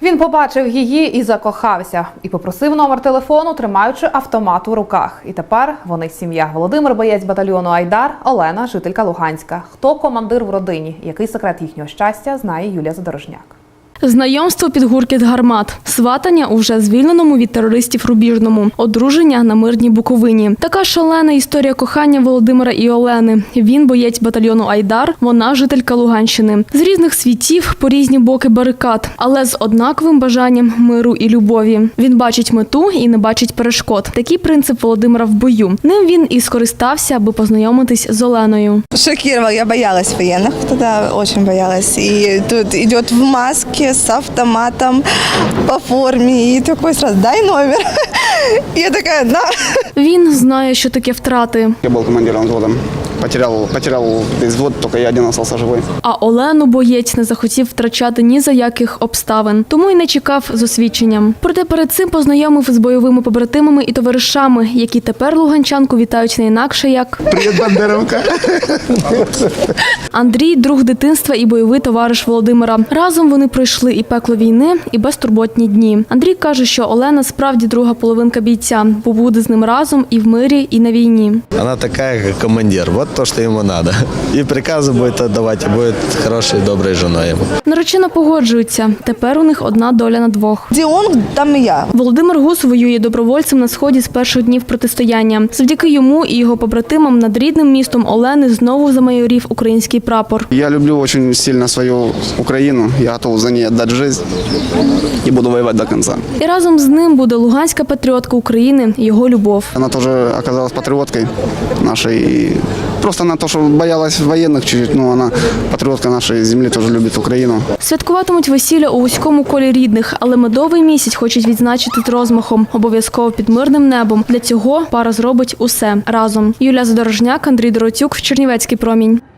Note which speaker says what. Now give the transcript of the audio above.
Speaker 1: Він побачив її і закохався. І попросив номер телефону, тримаючи автомат у руках. І тепер вони сім'я. Володимир – боєць батальйону «Айдар», Олена – жителька Луганська. Хто командир в родині? Який секрет їхнього щастя, знає Юлія Задорожняк.
Speaker 2: Знайомство під гуркіт гармат, сватання у вже звільненому від терористів Рубіжному, одруження на мирній Буковині. Така шалена історія кохання Володимира і Олени. Він боєць батальйону «Айдар», вона жителька Луганщини. З різних світів, по різні боки барикад, але з однаковим бажанням миру і любові. Він бачить мету і не бачить перешкод. Такий принцип Володимира в бою. Ним він і скористався, аби познайомитись з Оленою.
Speaker 3: Шокировал, я боялась военных, тогда очень боялась. И тут идет в маске, с автоматом, по форме, и такой сразу, дай номер. Я такая, на.
Speaker 2: Він знає, що таке втрати.
Speaker 4: Я был командиром взвода. Потерял весь взвод, только я один остался живой.
Speaker 2: А Олену боєць не захотів втрачати ні за яких обставин, тому й не чекав з освідченням. Проте перед цим познайомив з бойовими побратимами і товаришами, які тепер луганчанку вітають не інакше як
Speaker 4: Привет, Бандеровка!
Speaker 2: Андрій – друг дитинства і бойовий товариш Володимира. Разом вони пройшли і пекло війни, і безтурботні дні. Андрій каже, що Олена справді друга половинка бійця, бо буде з ним разом і в мирі, і на війні.
Speaker 5: Она такая, как командир. Вот то, что ему надо. И приказы будет отдавать, и будет хорошей, доброй женой ему.
Speaker 2: Наречена погоджується. Тепер у них одна доля на двох.
Speaker 3: Где он, там и я.
Speaker 2: Володимир Гус воює добровольцем на Сході з перших днів протистояння. Завдяки йому і його побратимам над рідним містом Олени знову замайорів український прапор.
Speaker 4: Я люблю очень сильно свою Украину. Я готов за ней отдать жизнь и буду воевать до конца.
Speaker 2: І разом з ним буде луганська патріотка України, його любов.
Speaker 4: Она тоже оказалась патриоткой нашей. И просто на то, что боялась военных чуть-чуть, но она патриотка нашей земли, тоже любит Украину.
Speaker 2: Святкуватимуть весілля у вузькому колі рідних, але медовий місяць хочуть відзначити з розмахом, обов'язково під мирним небом. Для цього пара зробить усе разом. Юлія Задорожняк, Андрій Доротюк, Чернівецький промінь.